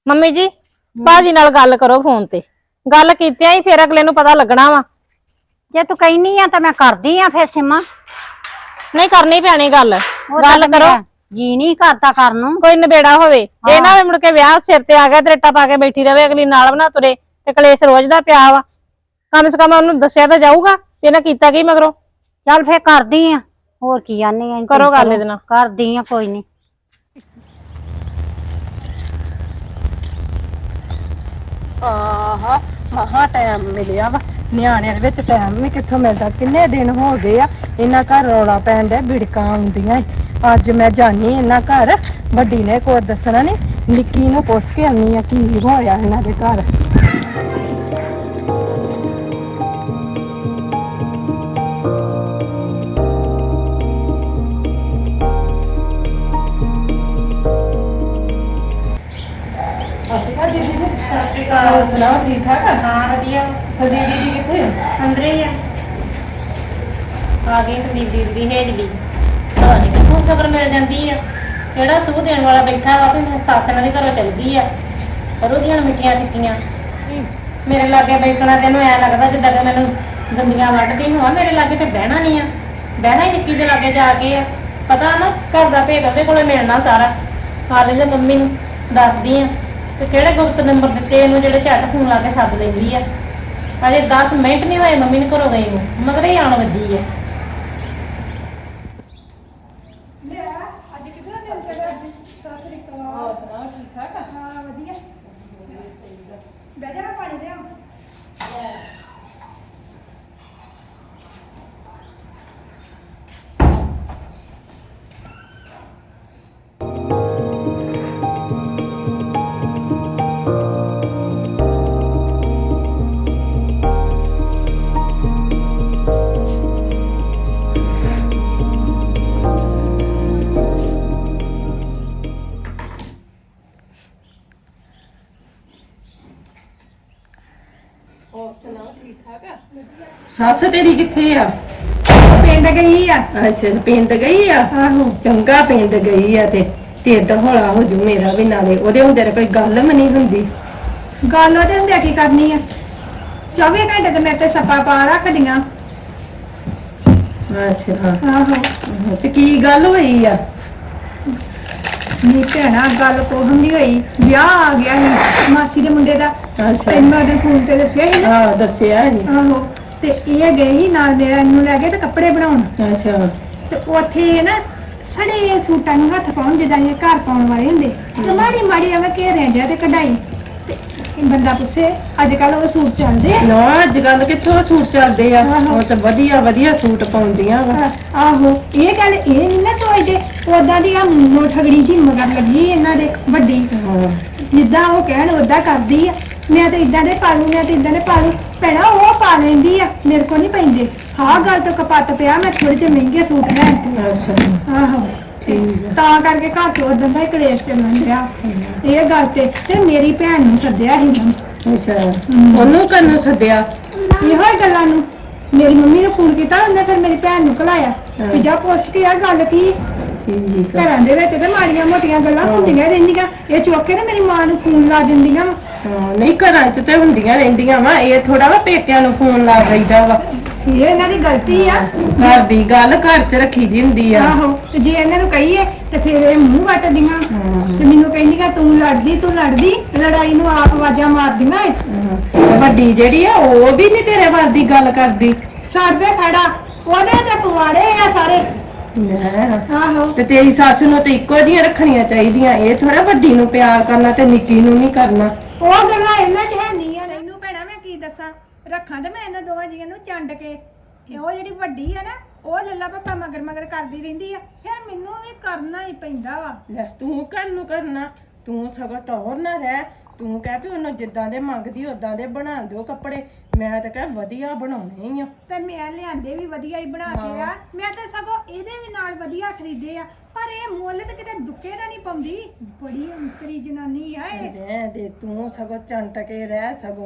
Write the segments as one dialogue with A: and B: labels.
A: Mummy ਜੀ ਬਾਜੀ ਨਾਲ ਗੱਲ ਕਰੋ ਫੋਨ ਤੇ। ਗੱਲ ਕੀਤਿਆਂ ਹੀ ਫਿਰ ਅਗਲੇ ਨੂੰ ਪਤਾ ਲੱਗਣਾ ਵਾ।
B: ਜੇ ਤੂੰ ਕਹਿਨੀ ਆ ਤਾਂ ਮੈਂ ਕਰਦੀ ਆ ਫਿਰ ਸਿਮਾ।
A: ਨਹੀਂ ਕਰਨੀ ਪੈਣੀ ਗੱਲ ਕਰੋ।
B: ਜੀ ਨਹੀਂ ਕਰਦਾ ਕਰਨ ਨੂੰ।
A: ਕੋਈ ਨਿਬੇੜਾ ਹੋਵੇ ਇਹ ਨਾ ਮੁੜ ਕੇ ਵਿਆਹ ਸਿਰ ਤੇ ਆ ਗਿਆ ਤੇ ਰੱਟਾ ਪਾ ਕੇ ਬੈਠੀ ਰਵੇ ਅਗਲੀ ਨਾਲ ਬਣਾ ਤੁਰੇ ਤੇ ਕਲੇਸ਼ ਰੋਜ਼ ਦਾ ਪਿਆ ਵਾ। ਕਮ ਸੇ ਕਮ ਉਹਨੂੰ ਦੱਸਿਆ ਤਾਂ ਜਾਊਗਾ ਵੀ ਇਹਨਾਂ ਕੀਤਾ ਕੀ ਮਗਰੋਂ।
B: ਚੱਲ ਫੇਰ ਕਰਦੀ ਆ, ਹੋਰ ਕੀ ਆਨੀ ਆ।
A: ਕਰੋ ਗੱਲ ਇਹਦੇ ਨਾਲ।
B: ਕਰਦੀ ਆ ਕੋਈ ਨਹੀਂ।
C: ਆਹਾ ਮਹਾ ਟਾਈਮ ਮਿਲਿਆ ਵਾ। ਨਿਆਣਿਆਂ ਦੇ ਵਿੱਚ ਟਾਈਮ ਵੀ ਕਿੱਥੋਂ ਮਿਲਦਾ। ਕਿੰਨੇ ਦਿਨ ਹੋ ਗਏ ਆ ਇਹਨਾਂ ਘਰ ਰੌਲਾ ਪੈਣ ਡਿਆ, ਬਿੜਕਾਂ ਆਉਂਦੀਆਂ। ਅੱਜ ਮੈਂ ਜਾਨੀ ਇਹਨਾਂ ਘਰ, ਵੱਡੀ ਨੇ ਕੋਈ ਦੱਸਣਾ ਨੀ, ਨਿੱਕੀ ਨੂੰ ਪੁੱਛ ਕੇ ਆਉਣੀ ਆ ਕੀ ਹੋਇਆ ਇਹਨਾਂ ਦੇ ਘਰ। ਦੀਦੀ ਸਤਿ ਸ਼੍ਰੀ ਅਕਾਲ। ਸੁਣਾਓ ਠੀਕ ਠਾਕ ਆ?
A: ਹਾਂ ਵਧੀਆ।
C: ਸੰਦੀਪ ਦੀਦੀ ਕਿੱਥੇ ਆ?
A: ਅੰਦਰੇ ਹੀ ਆ ਗਈ ਸੰਦੀਪ ਦੀ ਹੇਜਲੀ ਪਤਾ ਨਹੀਂ ਕਿੱਥੋਂ ਖਬਰ ਮਿਲ ਜਾਂਦੀ ਆ। ਕਿਹੜਾ ਸੂਹ ਦੇਣ ਵਾਲਾ ਬੈਠਾ ਵਾ ਵੀ ਸੱਸ ਨਾਲ ਵੀ ਘਰੋਂ ਚਲ ਗਈ ਆ। ਕਦੋਂ ਦੀਆਂ ਮਿੱਠੀਆਂ ਟਿੱਕੀਆਂ ਮੇਰੇ ਲਾਗੇ ਬੈਠਣਾ ਤੈਨੂੰ ਐ ਲੱਗਦਾ ਜਿੱਦਾਂ ਕਿ ਮੈਨੂੰ ਦੰਦੀਆਂ ਵੱਢਦੀ ਹੋਵਾਂ। ਮੇਰੇ ਲਾਗੇ ਤੇ ਬਹਿਣਾ ਨਹੀਂ ਆ, ਬਹਿਣਾ ਹੀ ਨਿੱਕੀ ਦੇ ਲਾਗੇ ਜਾ ਕੇ ਆ। ਪਤਾ ਨਾ ਘਰ ਦਾ ਭੇਦ ਉਹਦੇ ਕੋਲੇ ਮਿਲਣਾ ਸਾਰਾ। ਹਾਲੇ ਜੇ ਮੰਮੀ ਨੂੰ ਦੱਸਦੀ ਆ ਤੇ ਕਿਹੜੇ ਗੁਪਤ ਨੰਬਰ ਦਿੱਤੇ ਇਹਨੂੰ ਜਿਹੜੇ ਝੱਟ ਫੋਨ ਲਾ ਕੇ ਸੱਦ ਲੈਂਦੀ ਆ। ਅਜੇ 10 ਮਿੰਟ ਨਹੀਂ ਹੋਏ ਮੰਮੀ ਨੂੰ ਘਰੋਂ ਗਈ ਨੂੰ, ਮਗਰ ਹੀ ਆਉਣ ਵੱਜੀ ਆ।
C: ਸੱਸ ਤੇਰੀ ਕਿੱਥੇ ਆ?
D: ਪਿੰਡ ਗਈ ਆ।
C: ਅੱਛਾ ਪਿੰਡ ਗਈ ਆ।
D: ਆਹੋ
C: ਚੰਗਾ ਪਿੰਡ ਗਈ ਆ ਤੇ ਢਿੱਡ ਹੌਲਾ ਹੋ ਜੂ ਮੇਰਾ ਵੀ। ਨਾਲੇ ਉਹਦੇ ਹੁੰਦੇ ਕੋਈ ਗੱਲ ਵੀ ਨਹੀਂ ਹੁੰਦੀ।
D: ਗੱਲ ਉਹਦੇ ਹੁੰਦੇ ਕੀ ਕਰਨੀ ਆ? 24 ਘੰਟੇ ਤੇ ਮੇਰੇ ਤੇ ਸੱਪਾ ਪਾ ਰੱਖਦੀਆਂ।
C: ਅੱਛਾ
D: ਆਹੋ
C: ਤੇ ਕੀ ਗੱਲ ਹੋਈ ਆ?
D: ਨੀ ਭੈਣਾ ਗੱਲ ਕੋਹਮ ਨਹੀਂ ਹੋਈ। ਵਿਆਹ ਆ ਗਿਆ ਸੀ ਮਾਸੀ ਦੇ ਮੁੰਡੇ ਦਾ।
C: ਅੱਛਾ
D: ਤੈਨੂੰ ਉਹਦੇ ਫੋਨ ਤੇ ਦੱਸਿਆ ਸੀ ਨਾ।
C: ਹਾਂ ਦੱਸਿਆ ਸੀ।
D: ਆਹੋ ਤੇ ਇਹ ਗਏ ਸੀ ਨਾਲ ਮੇਰਾ, ਇਹਨੂੰ ਲੈ ਕੇ ਤੇ ਕੱਪੜੇ ਬਣਾਉਣ।
C: ਅੱਛਾ
D: ਤੇ ਉੱਥੇ ਨਾ ਸੜੇ ਸੂਟਾਂ ਨੂੰ ਹੱਥ ਪਾਉਣ ਜਿੱਦਾਂ ਇਹ ਘਰ ਪਾਉਣ ਵਾਲੇ ਹੁੰਦੇ ਤੇ ਮਾੜੀ ਮਾੜੀ ਐਵੇਂ ਘੇਰਿਆਂ ਜਿਹਾ ਤੇ ਕਢਾਈ। ਤੇ ਬੰਦਾ ਪੁੱਛੇ ਅੱਜ ਕੱਲ ਉਹ ਸੂਟ ਚੱਲਦੇ ਆ?
C: ਨਾ ਅੱਜ ਕੱਲ ਕਿੱਥੋਂ ਸੂਟ ਚੱਲਦੇ ਆ।
D: ਆਹੋ।
C: ਉਹ ਤਾਂ ਵਧੀਆ ਵਧੀਆ ਸੂਟ ਪਾਉਂਦੀਆਂ ਵਾ।
D: ਆਹੋ ਇਹ ਗੱਲ ਇਹ ਨਹੀਂ ਨਾ ਸੋਚਦੇ ਉਦਾਂ ਦੀ ਆ ਮੂੰਹੋਂ ਠਗੜੀ ਜੀ ਮਗਰ ਲੱਗੀ ਇਹਨਾਂ ਦੇ ਵੱਡੀ।
C: ਹਾਂ
D: ਜਿੱਦਾਂ ਉਹ ਕਹਿਣ ਉਦਾਂ ਕਰਦੀ ਆ। ਮੈਂ ਤਾਂ ਇਦਾਂ ਦੇ ਪਾ ਲੂ, ਮੈਂ ਤਾਂ ਇਦਾਂ ਦੇ ਪਾ ਲੂ। ਭੈਣਾ ਉਹ ਪਾ ਲੈਂਦੀ ਆ, ਮੇਰੇ ਕੋਲ ਨਹੀਂ ਪੈਂਦੇ। ਹਾਂ ਗੱਲ ਤੋਂ ਕਪੱਤ ਪਿਆ ਮੈਂ ਥੋੜੇ ਜਿਹੇ ਮਹਿੰਗੇ ਸੂਟ ਲੈਣ ਤੇ।
C: ਅੱਛਾ
D: ਆਹੋ
C: ਠੀਕ ਆ।
D: ਤਾਂ ਕਰਕੇ ਘਰ ਤੋਂ ਉਦੋਂ ਦਾ ਹੀ ਕਲੇਸ਼ ਚੱਲਣ ਡਿਆ ਇਹ ਗੱਲ ਤੇ ਮੇਰੀ ਭੈਣ ਨੂੰ ਸੱਦਿਆ ਸੀ ਉਹਨਾਂ ਨੇ।
C: ਅੱਛਾ ਉਹਨੂੰ ਕੰਨੋਂ ਸੱਦਿਆ?
D: ਇਹੋ ਹੀ ਗੱਲਾਂ ਨੂੰ ਮੇਰੀ ਮੰਮੀ ਨੂੰ ਫੋਨ ਕੀਤਾ, ਉਹਨੇ ਫਿਰ ਮੇਰੀ ਭੈਣ ਨੂੰ ਘਲਾਇਆ ਵੀ ਜਾ ਪੁੱਛ ਕੇ ਆ ਗੱਲ ਕੀ।
C: ਠੀਕ ਆ।
D: ਘਰਾਂ ਦੇ ਵਿੱਚ ਤੇ ਮਾੜੀਆਂ ਮੋਟੀਆਂ ਗੱਲਾਂ ਹੁੰਦੀਆਂ ਰਹਿੰਦੀਆਂ। ਇਹ ਚੁੱਕ ਕੇ ਨਾ ਮੇਰੀ ਮਾਂ ਨੂੰ ਫੋਨ ਲਾ ਦਿੰਦੀਆਂ।
C: ਹਾਂ ਨਹੀਂ ਘਰਾਂ 'ਚ ਤੇ ਹੁੰਦੀਆਂ ਰਹਿੰਦੀਆਂ ਵਾ। ਇਹ ਥੋੜਾ ਵਾ ਪੇਕਿਆਂ ਨੂੰ ਫੋਨ ਲਾ ਦਈਦਾ ਵਾ।
D: ਇਹ ਇਹਨਾਂ ਦੀ ਗਲਤੀ ਆ।
C: ਘਰ ਦੀ ਗੱਲ ਘਰ 'ਚ ਰੱਖੀ ਦੀ ਹੁੰਦੀ ਆ।
D: ਆਹੋ ਤੇ ਜੇ ਇਹਨਾਂ ਨੂੰ ਕਹੀਏ ਤੇ ਫਿਰ ਇਹ ਮੂੰਹ ਵੱਟਦੀਆਂ ਤੇ ਮੈਨੂੰ ਕਹਿੰਦੀਆਂ ਤੂੰ ਲੜਦੀ ਲੜਾਈ ਨੂੰ ਆਪ ਆਵਾਜ਼ਾਂ ਮਾਰਦੀਆਂ ਏ।
C: ਤੇ ਵੱਡੀ ਜਿਹੜੀ ਆ ਉਹ ਵੀ ਨਹੀਂ ਤੇਰੇ ਵੱਲ ਦੀ ਗੱਲ ਕਰਦੀ।
D: ਸਾਡੇ ਖੜਾ ਉਹਦੇ ਤੇ ਪਵਾੜੇ ਆ ਸਾਰੇ। ਆਹੋ
C: ਤੇ ਤੇਰੀ ਸੱਸ ਨੂੰ ਤੇ ਇੱਕੋ ਜਿਹੀਆਂ ਰੱਖਣੀਆਂ ਚਾਹੀਦੀਆਂ। ਇਹ ਥੋੜਾ ਵੱਡੀ ਨੂੰ ਪਿਆਰ ਕਰਨਾ ਤੇ ਨਿੱਕੀ ਨੂੰ ਨਹੀਂ ਕਰਨਾ।
D: ਉਹ ਗੱਲਾਂ ਇਹਨਾਂ 'ਚ ਹੈ ਨਹੀਂ ਆ। ਤੈਨੂੰ ਭੈਣਾ ਮੈਂ ਕੀ ਦੱਸਾਂ, ਰੱਖਾਂ ਤੇ ਮੈਂ ਇਹਨਾਂ ਦੋਵਾਂ ਜੀਆਂ ਨੂੰ ਚੰਡ ਕੇ। ਉਹ ਜਿਹੜੀ ਵੱਡੀ ਆ ਨਾ ਉਹ ਲੱਲਾ ਪੱਪਾ ਮਗਰ ਮਗਰ ਕਰਦੀ ਰਹਿੰਦੀ ਆ, ਫਿਰ ਮੈਨੂੰ ਵੀ ਕਰਨਾ ਹੀ ਪੈਂਦਾ ਵਾ।
C: ਲੈ ਤੂੰ ਘਰ ਨੂੰ ਕਰਨਾ, ਤੂੰ ਸਗੋਂ ਟੌਰ ਨਾ ਰਹਿ। ਤੂੰ ਕਹਿ ਵੀ ਉਹਨੂੰ ਜਿੱਦਾਂ ਦੇ ਮੰਗਦੀ ਉਦਾਂ ਦੇ ਬਣਾ ਦਿਓ ਕੱਪੜੇ। ਮੈਂ ਤਾਂ ਕਹਿ ਵਧੀਆ ਬਣਾਉਣੇ ਹੀ ਆ।
D: ਤੇ ਮੈਂ ਲਿਆਂਦੇ ਵੀ ਵਧੀਆ ਹੀ ਬਣਾ ਕੇ ਆ। ਮੈਂ ਤਾਂ ਸਗੋਂ ਇਹਦੇ ਵੀ ਨਾਲ ਵਧੀਆ ਖਰੀਦੇ ਆ, ਪਰ ਇਹ ਮੁੱਲ ਤੇ ਕਿਤੇ ਦੁੱਕੇ ਦਾ ਨਹੀਂ ਪਾਉਂਦੀ। ਬੜੀ ਅੰਤਰੀ ਜਨਾਨੀ ਆ ਇਹ।
C: ਰਹਿ ਦੇ ਤੂੰ ਸਗੋਂ ਚੰਟ ਕੇ ਰਹਿ। ਸਗੋਂ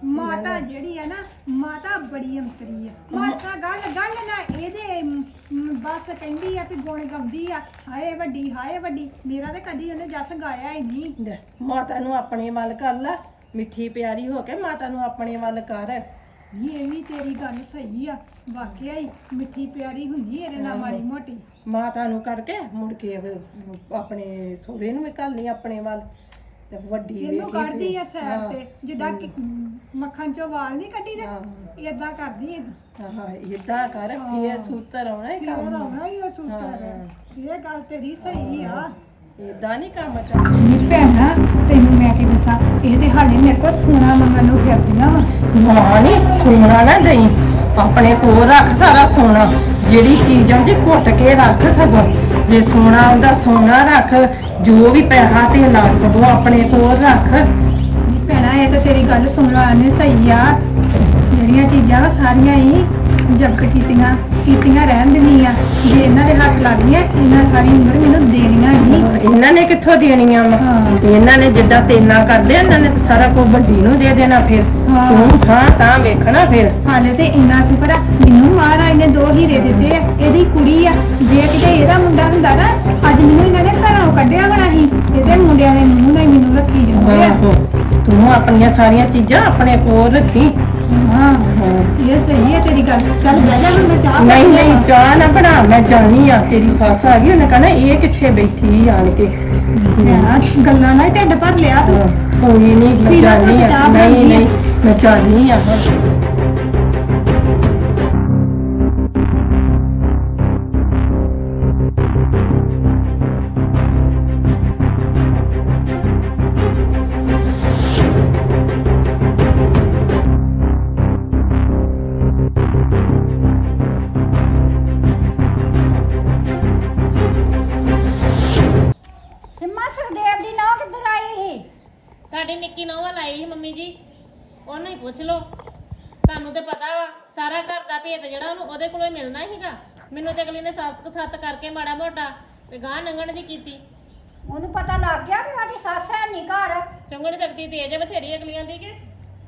D: ਮਾਤਾ ਜਿਹੜੀ ਆ ਨਾ ਮਾਤਾ ਬੜੀ ਅੰਤਰੀ ਆ ਮਾਤਾ ਗੱਲ ਗੱਲ ਨਾ ਇਹਦੇ ਬਸ ਕਹਿੰਦੀ ਆ ਕਿ ਗੁਣ ਗਾਉਂਦੀ ਆ ਹਾਏ ਵੱਡੀ ਮੇਰਾ ਤੇ ਕਦੀ ਉਹਨੇ ਜੱਸ ਗਾਇਆ ਹੀ ਨਹੀਂ।
C: ਲੈ, ਮਾਤਾ ਨੂੰ ਆਪਣੇ ਵੱਲ ਕਰ ਲੈ, ਮਿੱਠੀ ਪਿਆਰੀ ਹੋ ਕੇ ਮਾਤਾ ਨੂੰ ਆਪਣੇ ਵੱਲ ਕਰ।
D: ਇਹ ਵੀ ਤੇਰੀ ਗੱਲ ਸਹੀ ਆ ਵਾਕਿਆ ਹੀ ਮਿੱਠੀ ਪਿਆਰੀ ਹੁੰਦੀ ਇਹਦੇ ਨਾਲ ਮਾੜੀ ਮੋਟੀ।
C: ਮਾਤਾ ਨੂੰ ਕਰਕੇ ਮੁੜ ਕੇ ਆਪਣੇ ਸਹੁਰੇ ਨੂੰ ਵੀ ਘੱਲਣੀ ਆਪਣੇ ਵੱਲ ਤੇ ਵੱਡੀ
D: ਇਹਨੂੰ
C: ਵੇਖੀ
D: ਕੱਢਦੀ ਆ
C: ਫਿਰ।
D: ਸਾਈਡ ਤੇ ਜਿੱਦਾਂ ਕਿ ਮੱਖਣ ਚੋਂ ਵਾਲ ਨਹੀਂ ਕੱਢੀ ਦੇ ਏਦਾਂ ਕਰਦੀ ਏ।
C: ਹਾਂ ਇਦਾਂ ਕਰ, ਇਹ ਸੂਤਰ ਆਉਣਾ ਇਹ
D: ਕਿਉਂ
C: ਕੰਮ
D: ਆਉਣਾ ਹੀ ਉਹ ਸੂਤਰ। ਇਹ ਗੱਲ ਤੇਰੀ ਸਹੀ ਆ।
C: ਇਦਾਂ ਨਹੀਂ ਕੰਮ ਚੱਲਦਾ।
D: ਨੀ ਭੈਣਾ ਤੈਨੂੰ ਮੈਂ ਕੀ ਦੱਸਾਂ ਇਹ ਤੇ ਹਾਲੇ ਮੇਰੇ ਕੋਲ ਸੋਨਾ ਮੰਗਣ ਨੂੰ ਫਿਰਦੀਆਂ ਵਾ।
C: ਨਾ ਨੀ ਸੋਨਾ ਨਾ ਦੇਈ, ਆਪਣੇ ਕੋਲ ਰੱਖ ਸਾਰਾ ਸੋਨਾ। ਜਿਹੜੀ ਚੀਜ਼ ਆਉਂਦੀ ਘੁੱਟ ਕੇ ਰੱਖ ਸਗੋਂ। ਜੇ ਸੋਨਾ ਆਉਂਦਾ ਸੋਨਾ ਰੱਖ, ਜੋ ਵੀ ਪੈਸਾ ਤੇ ਲਾ ਸਗੋਂ ਆਪਣੇ ਕੋਲ ਰੱਖ।
D: ਨੀ ਭੈਣਾ ਇਹ ਤਾਂ ਤੇਰੀ ਗੱਲ ਸੁਣ ਲਾ ਨੇ ਸਹੀ ਆ। ਜਿਹੜੀਆਂ ਚੀਜ਼ਾਂ ਵਾ ਸਾਰੀਆਂ ਹੀ ਜ਼ਬਤ ਕੀਤੀਆਂ ਰਹਿਣ ਦੇਣੀਆਂ। ਜੇ ਇਹਨਾਂ ਦੇ ਹੱਥ ਲੱਗ ਗਈਆਂ ਇਹਨਾਂ ਸਾਰੀ ਉਮਰ ਮੈਨੂੰ ਦੇਣੀਆਂ ਹੀ।
C: ਇਹਨਾਂ ਨੇ ਕਿੱਥੋਂ ਦੇਣੀਆਂ ਵਾ? ਇਹਨਾਂ ਨੇ ਜਿੱਦਾਂ ਤੇਨਾ ਕਰਦੇ ਆ, ਇਹਨਾਂ ਨੇ ਤਾਂ ਸਾਰਾ ਕੁਝ ਵੱਡੀ ਨੂੰ ਦੇ ਦੇਣਾ। ਫਿਰ ਤੂੰ ਤਾਂ ਵੇਖਣਾ ਫਿਰ।
D: ਹਾਲੇ ਤੇ ਇੰਨਾ ਸ਼ੁਕਰ ਆ ਮੈਨੂੰ ਮਹਾਰਾਜ ਨੇ 2 ਹੀਰੇ ਦਿੱਤੇ ਆ। ਇਹਦੀ ਕੁੜੀ ਆ, ਜੇ ਕਿਤੇ ਇਹਦਾ ਮੁੰਡਾ ਹੁੰਦਾ ਨਾ ਅੱਜ ਮੈਨੂੰ ਇਹਨਾਂ ਨੇ ਘਰੋਂ ਕੱਢਿਆ ਹੋਣਾ ਸੀ। ਇਹਦੇ ਮੁੰਡਿਆਂ ਨੇ ਮੂੰਹ ਨਾਲ ਮੈਨੂੰ ਰੱਖੀ ਜਾਂਦੇ ਆ।
C: ਤੂੰ ਆਪਣੀਆਂ ਸਾਰੀਆਂ ਚੀਜ਼ਾਂ ਆਪਣੇ ਕੋਲ ਰੱਖੀ।
D: ਹਾਂ ਇਹ ਸਹੀ ਹੈ ਤੇਰੀ ਗੱਲ। ਚੱਲ ਬਹਿ ਜਾ ਹੁਣ ਮੈਂ ਚਾਹ
C: ਨਹੀਂ ਨਹੀਂ ਚਾਹ ਨਾ ਬਣਾ, ਮੈਂ ਜਾਣੀ ਆ। ਤੇਰੀ ਸੱਸ ਆ ਗਈ, ਉਹਨੇ ਕਹਣਾ ਇਹ ਕਿੱਥੇ ਬੈਠੀ ਆਣ ਕੇ।
D: ਗੱਲਾਂ ਨਾਲ ਢਿੱਡ ਭਰ ਲਿਆ ਤੂੰ।
C: ਕੋਈ ਨਹੀਂ, ਮੈਂ ਜਾਣੀ ਆ। ਨਹੀਂ ਮੈਂ ਜਾਣੀ ਆ।
B: ਸਿੰਮਾ ਸੁਖਦੇਵ ਦੀ ਨੌ ਕਿੱਧਰ ਆਈ ਸੀ?
A: ਤੁਹਾਡੀ ਨਿੱਕੀ ਨੌਂ ਵੱਲ ਆਈ ਸੀ ਮੰਮੀ ਜੀ, ਉਹਨੂੰ ਹੀ ਪੁੱਛ ਲਓ। ਤੁਹਾਨੂੰ ਤੇ ਪਤਾ ਵਾ ਸਾਰਾ ਘਰ ਦਾ ਭੇਤ ਜਿਹੜਾ ਉਹਨੂੰ ਉਹਦੇ ਕੋਲੋਂ ਹੀ ਮਿਲਣਾ ਸੀਗਾ। ਮੈਨੂੰ ਤੇ ਅਗਲੀ ਨੇ ਸੱਤ ਕਰਕੇ ਮਾੜਾ ਮੋਟਾ ਤੇ ਗਾਂ ਲੰਘਣ ਦੀ ਕੀਤੀ।
B: ਉਹਨੂੰ ਪਤਾ ਲੱਗ ਗਿਆ ਵੀ ਉਹਦੀ ਸੱਸ ਹੈ ਨਹੀਂ ਘਰ।
A: ਚੁੰਗਣ ਸਕਦੀ ਤੇਜ ਬਥੇਰੀ ਅਗਲੀਆਂ ਦੀ ਕਿ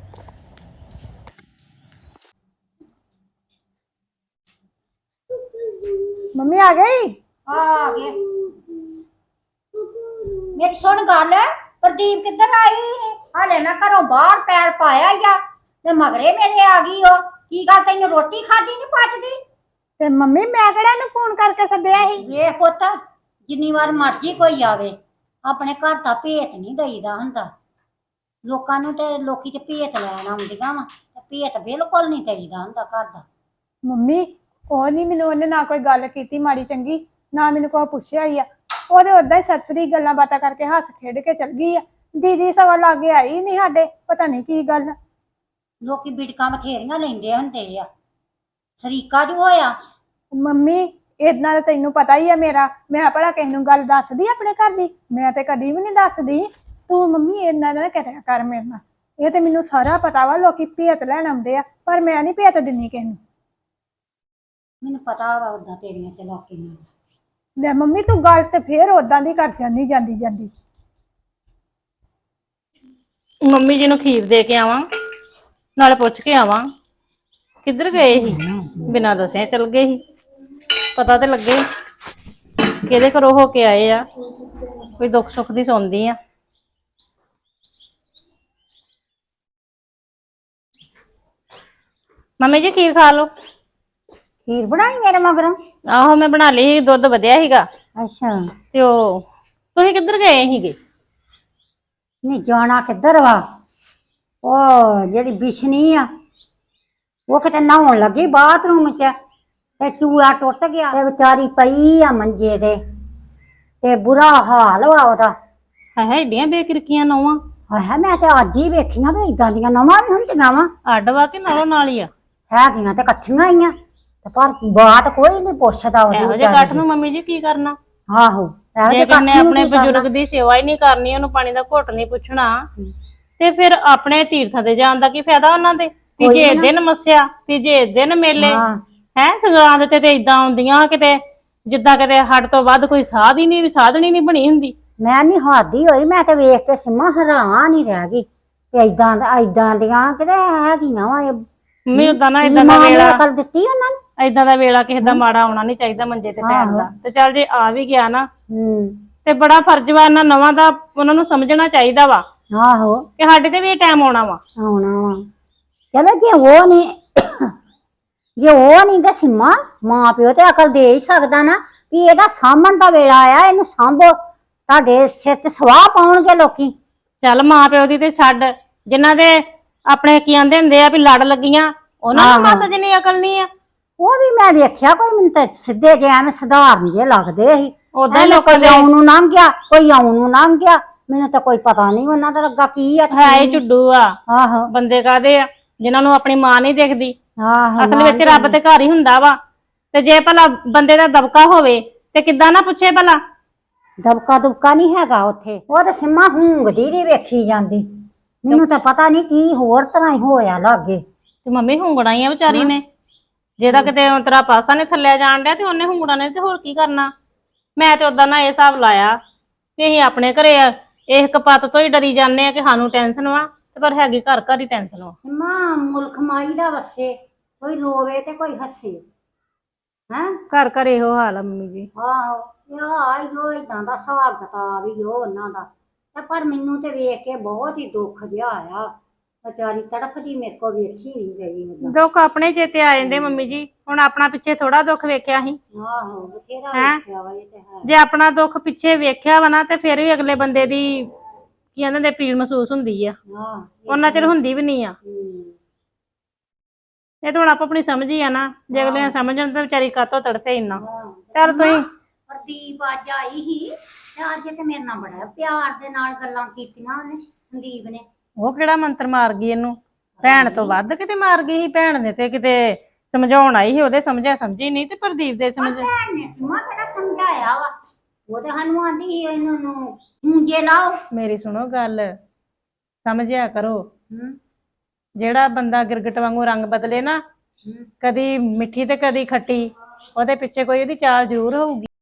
D: ਮੰਮੀ ਆ ਗਈ।
B: ਆ ਗਏ। ਮੇਰੀ ਸੁਣ ਗੱਲ, ਪ੍ਰਦੀਪ ਕਿੱਧਰ ਆਈ ਸੀ? ਹਾਲੇ ਮੈਂ ਘਰੋਂ ਬਾਹਰ ਪੈਰ ਪਾਇਆ ਹੀ ਆ ਤੇ ਮਗਰੇ ਮੇਰੇ ਆ ਗਈ ਉਹ। ਕੀ ਗੱਲ ਤੈਨੂੰ ਰੋਟੀ ਖਾਦੀ ਨਹੀਂ ਪਚਦੀ?
D: ਤੇ ਮੰਮੀ ਮੈਂ ਕਿਹੜਾ ਇਹਨੂੰ ਫੋਨ ਕਰਕੇ ਸੱਦਿਆ ਸੀ।
B: ਵੇਖ ਪੁੱਤ, ਜਿੰਨੀ ਵਾਰ ਮਰਜ਼ੀ ਕੋਈ ਆਵੇ ਆਪਣੇ ਘਰ ਦਾ ਭੇਤ ਨਹੀਂ ਦਈਦਾ ਹੁੰਦਾ। ਲੋਕਾਂ ਨੂੰ ਤੇ ਲੋਕੀ ਤੇ ਭੇਤ ਲੈਣ ਆਉਂਦੀਆਂ ਵਾ ਤੇ ਭੇਤ ਬਿਲਕੁਲ ਨਹੀਂ ਦਈਦਾ ਹੁੰਦਾ ਘਰ ਦਾ।
D: ਮੰਮੀ ਉਹ ਨਹੀਂ ਮੈਨੂੰ ਉਹਨੇ ਨਾ ਕੋਈ ਗੱਲ ਕੀਤੀ ਮਾੜੀ ਚੰਗੀ, ਨਾ ਮੈਨੂੰ ਕੋਈ ਪੁੱਛਿਆ ਹੀ ਆ। ਉਹਦੇ ਉਦਾਂ ਹੀ ਸਰਸਰੀ ਗੱਲਾਂ ਬਾਤਾਂ ਕਰਕੇ ਹੱਸ ਖੇਡ ਕੇ ਚਲ ਗਈ ਆ। ਦੀਦੀ ਸਵਾ ਲਾਗੇ ਆਈ ਨਹੀਂ ਸਾਡੇ, ਪਤਾ ਨਹੀਂ ਕੀ ਗੱਲ।
B: ਲੋਕੀ ਬਿੜਕਾਂ ਬਥੇਰੀਆਂ ਲੈਂਦੇ ਹੁੰਦੇ ਆ। ਸਰੀਕਾ ਜੋ ਹੋਇਆ।
D: ਮੰਮੀ ਇਦਾਂ ਤਾਂ ਤੈਨੂੰ ਪਤਾ ਹੀ ਆ ਮੇਰਾ, ਮੈਂ ਭਲਾ ਕਿਸੇ ਨੂੰ ਗੱਲ ਦੱਸਦੀ ਆਪਣੇ ਘਰ ਦੀ? ਮੈਂ ਤੇ ਕਦੀ ਵੀ ਨਹੀਂ ਦੱਸਦੀ। ਤੂੰ ਮੰਮੀ ਇਦਾਂ ਨਾ ਕਰਿਆ ਕਰ ਮੇਰੇ ਨਾਲ। ਇਹ ਤੇ ਮੈਨੂੰ ਸਾਰਾ ਪਤਾ ਵਾ ਲੋਕੀ ਭੇਤ ਲੈਣ ਆਉਂਦੇ ਆ, ਪਰ ਮੈਂ ਨਹੀਂ ਭੇਤ ਦਿੰਦੀ ਕਿਸੇ ਨੂੰ।
B: ਮੈਨੂੰ ਪਤਾ ਵਾ ਉਦਾਂ ਤੇਰੀਆਂ ਚਲਾਕੀਆਂ।
D: ਲੈ ਮੰਮੀ ਤੂੰ ਗੱਲ ਤੇ ਫੇਰ ਉਦਾਂ ਦੀ ਕਰ ਜਾਂਦੀ।
A: ਮੰਮੀ ਜੀ ਨੂੰ ਖੀਰ ਦੇ ਕੇ ਆਵਾਂ, ਨਾਲੇ ਪੁੱਛ ਕੇ ਆਵਾਂ ਕਿੱਧਰ ਗਏ ਸੀ। ਬਿਨਾਂ ਦੱਸਿਆ ਚਲ ਗਏ ਸੀ। ਪਤਾ ਤੇ ਲੱਗੇ ਕਿਹਦੇ ਘਰੋਂ ਹੋ ਕੇ ਆਏ ਆ। ਕੋਈ ਦੁੱਖ ਸੁੱਖ ਦੀ ਸੁਣਦੀ ਆ। ਮੰਮੀ ਜੀ ਖੀਰ ਖਾ ਲਓ।
B: ਖੀਰ ਬਣਾਈ ਮੇਰੇ ਮਗਰੋਂ?
A: ਆਹੋ ਮੈਂ ਬਣਾ ਲਈ, ਦੁੱਧ ਵਧਿਆ ਸੀਗਾ।
B: ਅੱਛਾ।
A: ਤੇ ਉਹ ਤੁਸੀਂ ਕਿੱਧਰ ਗਏ ਸੀਗੇ?
B: ਨਹੀਂ ਜਾਣਾ ਕਿੱਧਰ ਵਾ? ਉਹ ਜਿਹੜੀ ਬਿਸ਼ਨੀ ਆ ਉਹ ਕਿਤੇ ਨਹਾਉਣ ਲੱਗੀ ਬਾਥਰੂਮ 'ਚ ਤੇ ਚੂੜਾ ਟੁੱਟ ਗਿਆ ਤੇ ਵਿਚਾਰੀ ਪਈ ਆ ਮੰਜੇ ਤੇ ਬੁਰਾ ਹਾਲ ਵਾ ਉਹਦਾ।
A: ਹੈ ਏਡੀਆਂ ਬੇਕਿਰਕੀਆਂ ਨੌਵਾਂ?
B: ਹਾਏ ਮੈਂ ਤੇ ਅੱਜ ਹੀ ਵੇਖੀਆਂ ਵੀ ਇਦਾਂ ਦੀਆਂ ਨਵਾਂ ਵੀ ਹੁੰਦੀਆਂ ਵਾ।
A: ਅੱਡ ਵਾ ਕੇ ਨਾਲੋਂ ਨਾਲ ਹੀ ਆ?
B: ਹੈਗੀਆਂ ਤੇ ਇਕੱਠੀਆਂ ਆਈਆਂ ਤੇ ਪਰ ਬਾਤ ਕੋਈ ਨਹੀਂ ਪੁੱਛਦਾ ਉਹਦੀ
A: ਇਹੋ ਜਿਹੇ ਗੱਠ ਨੂੰ ਮੰਮੀ ਜੀ ਕੀ ਕਰਨਾ?
B: ਆਹੋ ਇਹੋ
A: ਜੇ
B: ਜਿਹੇ
A: ਕਿਨੇ
B: ਕੱਠ ਨੂੰ
A: ਆਪਣੇ
B: ਕੀ ਕਰਨਾ?
A: ਬਜ਼ੁਰਗ ਦੀ ਸੇਵਾ ਹੀ ਨਹੀਂ ਕਰਨੀ, ਉਹਨੂੰ ਪਾਣੀ ਦਾ ਘੁੱਟ ਨਹੀਂ ਪੁੱਛਣਾ, ਤੇ ਫਿਰ ਆਪਣੇ ਤੀਰਥਾਂ ਤੇ ਜਾਣ ਦਾ ਕੀ ਫਾਇਦਾ ਉਹਨਾਂ ਦੇ? ਤੀਜੇ ਦਿਨ ਮੱਸਿਆ, ਤੀਜੇ ਦਿਨ ਮੇਲੇ ਹੈ। ਸੰਗਰਾਂਦ ਤੇ ਇਦਾਂ ਆਉਂਦੀਆਂ ਕਿਤੇ ਜਿੱਦਾਂ ਕਿਤੇ ਹੱਡ ਤੋਂ ਵੱਧ ਕੋਈ ਸਾਧ ਹੀ ਨਹੀਂ, ਸਾਧਣੀ ਨਹੀਂ ਬਣੀ ਹੁੰਦੀ।
B: ਮੈਂ ਨਹੀਂ ਹਾਦੀ ਹੋਈ, ਮੈਂ ਤੇ ਵੇਖ ਕੇ ਸਿੰਮਾ ਹੈਰਾਨ ਹੀ ਰਹਿ ਗਈ ਤੇ ਏਦਾਂ ਦੀਆਂ ਕਿਤੇ ਹੈਗੀਆਂ ਵਾ
A: ਮੰਮੀ ਉਦਾਂ ਨਾ
B: ਕੀ
A: ਏਦਾਂ ਦਾ
B: ਮਾਂ ਨੇ
A: ਵੇਲਾ
B: ਅਕਲ ਦਿੱਤੀ ਉਹਨਾਂ ਨੂੰ।
A: ਏਦਾਂ ਦਾ ਵੇਲਾ ਕਿਸੇ ਦਾ ਮਾੜਾ ਆਉਣਾ ਨਹੀਂ ਚਾਹੀਦਾ ਮੰਜੇ ਤੇ ਪੈਣ ਦਾ। ਤੇ ਚੱਲ ਜੇ ਆ ਵੀ ਗਿਆ ਨਾ ਤੇ ਬੜਾ ਫਰਜ਼ ਵਾ ਇਹਨਾਂ ਨਵਾਂ ਦਾ, ਉਹਨਾਂ ਨੂੰ ਸਮਝਣਾ ਚਾਹੀਦਾ ਵਾ
B: ਆਹੋ
A: ਕਿ ਸਾਡੇ ਤੇ ਵੀ ਇਹ ਟਾਈਮ ਆਉਣਾ ਵਾ।
B: ਆਉਣਾ ਵਾ। ਚਲੋ ਜੇ ਉਹ ਨਹੀਂ ਤਾਂ ਸਿੰਮਾ ਮਾਂ ਪਿਓ ਤੇ ਅਕਲ ਦੇ ਹੀ ਸਕਦਾ ਨਾ ਵੀ ਇਹਦਾ ਸਾਂਭਣ ਦਾ ਵੇਲਾ ਆਇਆ, ਇਹਨੂੰ ਸਾਂਭੋ। ਤੁਹਾਡੇ ਸਿਰ ਤੇ ਸਵਾਹ ਪਾਉਣਗੇ ਲੋਕੀ।
A: ਚੱਲ ਮਾਂ ਪਿਓ ਦੀ ਤੇ ਛੱਡ, ਜਿਨ੍ਹਾਂ ਦੇ ਆਪਣੇ ਕੀ ਆਂਦੇ ਹੁੰਦੇ ਆ ਵੀ ਲੜ ਲੱਗੀਆਂ, ਉਹਨਾਂ ਨੂੰ ਮਾਸਾ ਜਿੰਨੀ ਅਕਲ ਨਹੀਂ ਆ।
B: ਉਹ ਵੀ ਮੈਂ ਵੇਖਿਆ, ਕੋਈ ਮੈਨੂੰ ਤਾਂ ਸਿੱਧੇ ਜਿਹੇ ਐਵੇਂ ਸਧਾਰਨ ਜਿਹੇ ਲੱਗਦੇ ਸੀ।
A: ਉਦਾਂ ਹੀ ਲੋਕਾਂ
B: ਕੋਈ ਆਉਣ ਨੂੰ ਲੰਘ ਗਿਆ, ਕੋਈ ਆਉਣ ਨੂੰ ਲੰਘ ਗਿਆ, ਮੈਨੂੰ ਤਾਂ ਕੋਈ ਪਤਾ ਨਹੀਂ ਉਹਨਾਂ ਦਾ ਲੱਗਾ ਕੀ ਆ।
A: ਹੈ ਹੀ ਝੁੱਡੂ ਆ।
B: ਆਹੋ
A: ਬੰਦੇ ਕਾਦੇ ਆ ਜਿਨ੍ਹਾਂ ਨੂੰ ਆਪਣੀ ਮਾਂ ਨਹੀਂ ਦਿਖਦੀ।
B: ਆਹੋ
A: ਅਸਲ ਵਿੱਚ ਰੱਬ ਤੇ ਘਰ ਹੀ ਹੁੰਦਾ ਵਾ। ਤੇ ਜੇ ਭਲਾ ਬੰਦੇ ਦਾ ਦਬਕਾ ਹੋਵੇ ਤੇ ਕਿੱਦਾਂ ਨਾ ਪੁੱਛੇ ਭਲਾ।
B: ਦਬਕਾ ਦੁਬਕਾ ਨਹੀਂ ਹੈਗਾ ਉੱਥੇ। ਉਹ ਤਾਂ ਸਿੰਮਾ ਹੂੰਗਦੀ ਨਹੀਂ ਵੇਖੀ ਜਾਂਦੀ। ਮੈਨੂੰ ਤਾਂ ਪਤਾ ਨਹੀਂ ਕੀ ਹੋਰ ਤਰ੍ਹਾਂ ਹੀ ਹੋਇਆ ਲਾਗੇ।
A: ਤੇ ਮੰਮੀ ਹੁੰਗਣਾ ਹੀ ਆ ਵਿਚਾਰੀ ਨੇ, ਜਿਹਦਾ ਕਿਤੇ ਤੇਰਾ ਪਾਸਾ ਨੇ ਥੱਲੇ ਜਾਣ ਡਿਆ ਤੇ ਉਹਨੇ ਹੁੰਗਣਾ ਨੇ ਤੇ ਹੋਰ ਕੀ ਕਰਨਾ। ਮੈਂ ਤੇ ਉਦਾਂ ਨਾ ਇਹ ਹਿਸਾਬ ਲਾਇਆ ਵੀ ਅਸੀਂ ਆਪਣੇ ਘਰੇ ਇਸ ਕਪੱਤ ਤੋਂ ਹੀ ਡਰੀ ਜਾਂਦੇ ਆ ਕਿ ਸਾਨੂੰ ਟੈਨਸ਼ਨ ਵਾ, ਤੇ ਪਰ ਹੈਗੀ ਘਰ ਘਰ ਹੀ ਟੈਨਸ਼ਨ ਵਾ।
B: ਸਿੰਮਾ ਮੁਲਕ ਮਾਈ ਦਾ ਵਸੇ, ਕੋਈ ਰੋਵੇ ਤੇ ਕੋਈ ਹੱਸੇ। ਹੈਂ
A: ਘਰ ਘਰ ਇਹੋ ਹਾਲ ਆ ਮੰਮੀ ਜੀ।
B: ਆਹੋ ਇਹੋ ਏਦਾਂ ਦਾ ਹਿਸਾਬ ਕਿਤਾਬ ਹੀ ਉਹ ਉਹਨਾਂ ਦਾ। ਤੇ ਪਰ ਮੈਨੂੰ ਤੇ ਵੇਖ ਕੇ ਬਹੁਤ ਹੀ ਦੁੱਖ ਜਿਹਾ ਆਇਆ। ਵਿਚਾਰੀ ਤੜਫਦੀ ਮੇਰੇ ਕੋ ਵੇਖੀ ਨਹੀਂ ਗਈ। ਮਤਲਬ
A: ਦੁੱਖ ਆਪਣੇ ਚੇਤੇ ਆ ਜਾਂਦੇ ਮੰਮੀ ਜੀ। ਹੁਣ ਆਪਣਾ ਪਿੱਛੇ ਥੋੜਾ ਦੁੱਖ ਵੇਖਿਆ ਸੀ।
B: ਆਹੋ ਬਥੇਰਾ ਵੇਖਿਆ ਵਾ ਇਹ ਤੇ ਹੈ।
A: ਜੇ ਆਪਣਾ ਦੁੱਖ ਪਿੱਛੇ ਵੇਖਿਆ ਵਾ ਨਾ ਤੇ ਫਿਰ ਵੀ ਅਗਲੇ ਬੰਦੇ ਦੀ ਕੀ ਇਹਨਾਂ ਦੇ ਪੀੜ ਮਹਿਸੂਸ ਹੁੰਦੀ ਆ।
B: ਹਾਂ
A: ਉਹਨਾਂ ਚਿਰ ਹੁੰਦੀ ਵੀ ਨਹੀਂ ਆ। ਇਹ ਤਾਂ ਹੁਣ ਆਪਣੀ ਸਮਝ ਹੀ ਆ ਨਾ। ਜੇ ਅਗਲੇ ਨੇ ਸਮਝਣ ਤਾਂ ਵਿਚਾਰੀ ਕਾਤੋਂ ਤੜਫੇ ਇੰਨਾ। ਚੱਲ ਤੁਸੀਂ
B: ਪ੍ਰਦੀਪ ਅੱਜ ਆਈ ਸੀ ਤੇ ਅੱਜ ਤੇ ਮੇਰੇ ਨਾਲ ਬੜਾ ਪਿਆਰ ਦੇ ਨਾਲ ਗੱਲਾਂ ਕੀਤੀਆਂ ਉਹਨੇ, ਸੰਦੀਪ ਨੇ।
A: ਉਹ ਕਿਹੜਾ ਮੰਤਰ ਮਾਰ ਗਈ ਇਹਨੂੰ? ਭੈਣ ਤੋਂ ਵੱਧ ਕਿਤੇ ਮਾਰ ਗਈ ਸੀ। ਭੈਣ ਨੇ ਤੇ ਕਿਤੇ ਸਮਝਾਉਣ ਆਈ ਸੀ, ਉਹਦੇ ਸਮਝਿਆ ਸਮਝੀ ਨਹੀਂ ਤੇ ਪ੍ਰਦੀਪ ਦੇ ਸਮਝ।
B: ਭੈਣ ਨੇ ਸਿੰਮਾ ਕਿਹੜਾ ਸਮਝਾਇਆ ਵਾ? ਉਹ ਤੇ ਸਾਨੂੰ ਆਂਦੀ ਸੀ ਇਹਨੂੰ ਮੂੰਜੇ ਲਾਓ।
A: ਮੇਰੀ ਸੁਣੋ ਗੱਲ, ਸਮਝਿਆ ਕਰੋ। ਜਿਹੜਾ ਬੰਦਾ ਗਿਰਗਟ ਵਾਂਗੂ ਰੰਗ ਬਦਲੇ ਨਾ, ਕਦੀ ਮਿੱਠੀ ਤੇ ਕਦੀ ਖੱਟੀ, ਉਹਦੇ ਪਿੱਛੇ ਕੋਈ ਉਹਦੀ ਚਾਲ ਜ਼ਰੂਰ ਹੋਊਗੀ।